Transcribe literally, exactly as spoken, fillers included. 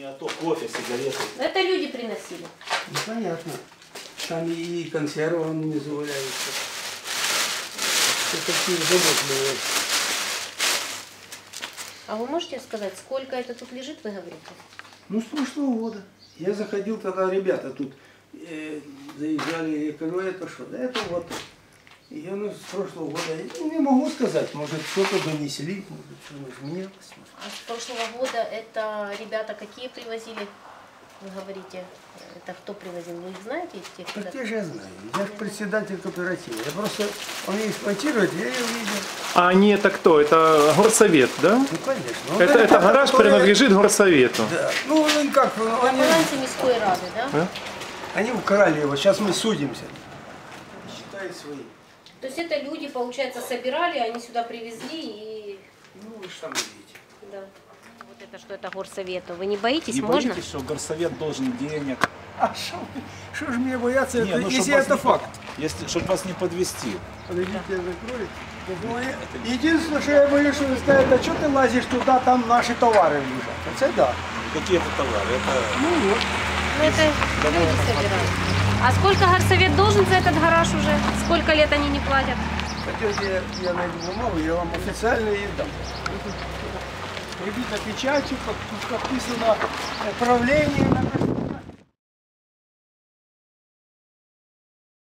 Не, а то кофе, сигареты. Это люди приносили. Ну, понятно. Там и консервы внизу валяются. Все такие заботливые. А вы можете сказать, сколько это тут лежит, вы говорите? Ну, с прошлого года. Я заходил, тогда ребята тут э, заезжали, я говорю, это что? Да это вот. И я, ну, с прошлого года, я не могу сказать, может, что-то донесли, может, что-то изменилось. А с прошлого года это ребята какие привозили? Вы говорите, это кто привозил? Вы их знаете? Тех, А кто... те же я знаю. Я же председатель кооператива. Я просто, он ее эксплуатирует, я ее видел. А они это кто? Это горсовет, да? Ну, конечно. Ну, Это, это гараж которые... принадлежит горсовету. Да. Ну, ну как, На они, балансе мирской рады, да? А? они украли его, сейчас мы судимся. Считай свои. То есть это люди, получается, собирали, они сюда привезли и... Ну, вы же там видите. Да. Вот это что это горсовету. Вы не боитесь? Не Можно? боитесь, что горсовет должен денег? А что же мне бояться, Не, это, ну, если чтоб вас это не факт? под- Если, чтобы вас не подвести. Подождите, я закрою. Ну, я- Единственное, что я боюсь, что вы скажете, а что ты лазишь туда, там наши товары лежат. Это да. Какие это товары? Это... Ну вот. Ну это люди собирают. А сколько горсовет должен за этот гараж уже? Сколько лет они не платят? Хотите, я, я найду бумагу, я вам официально ее дам. Прибито печатью, как тут подписано правление на